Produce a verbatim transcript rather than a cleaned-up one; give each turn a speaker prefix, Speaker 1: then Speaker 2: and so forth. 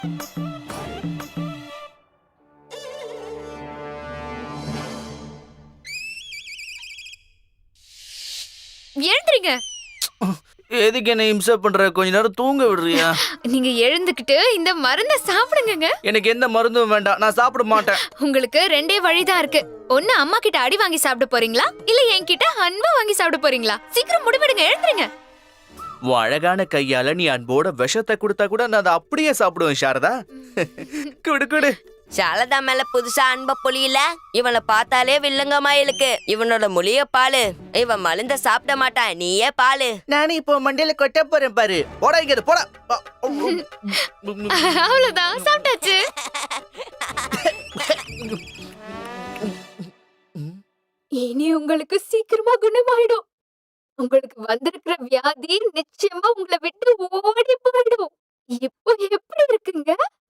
Speaker 1: எழுந்துறீங்க.
Speaker 2: எதுக்கு என்ன இம்சை பண்ற? கொஞ்ச நேரம் தூங்க விடுறியா?
Speaker 1: நீங்க எழுந்துக்கிட்டு இந்த மருந்த சாப்பிடுங்கங்க.
Speaker 2: எனக்கு எந்த மருந்தும் வேண்டாம், நான் சாப்பிட மாட்டேன்.
Speaker 1: உங்களுக்கு ரெண்டே வழிதான் இருக்கு. ஒண்ணு அம்மா கிட்ட அடி வாங்கி சாப்பிட போறீங்களா, இல்ல என்கிட்ட அன்பா வாங்கி சாப்பிட போறீங்களா? சீக்கிரம் முடிவெடுங்க, எழுந்துருங்க.
Speaker 2: உன் அழகான கையால நீ அன்போட விஷத்தை கொடுத்தா கூட நான் அதை அப்படியே சாப்பிடுவேன் சாரதா. குடு குடு.
Speaker 3: சாரதா மேல புதுசா அன்ப பொழியில இவனை பார்த்தாலே வில்லங்கமா இருக்கு. இவனோட மொழிய பாலு. இவன் மருந்த சாப்பிட மாட்டான், நீயே பாலு.
Speaker 2: நானே இப்போ மண்டையில கொட்ட போறேன் பாரு. போடா இங்க போடா.
Speaker 1: அவ்வளவுதான், சாப்பிட்டாச்சு. இனி உங்களுக்கு சீக்கிரமா குணமாயிடும். உங்களுக்கு வந்திருக்கிற வியாதி நிச்சயமா உங்களை விட்டு ஓடி போயிடும். இப்போ எப்படி இருக்குங்க?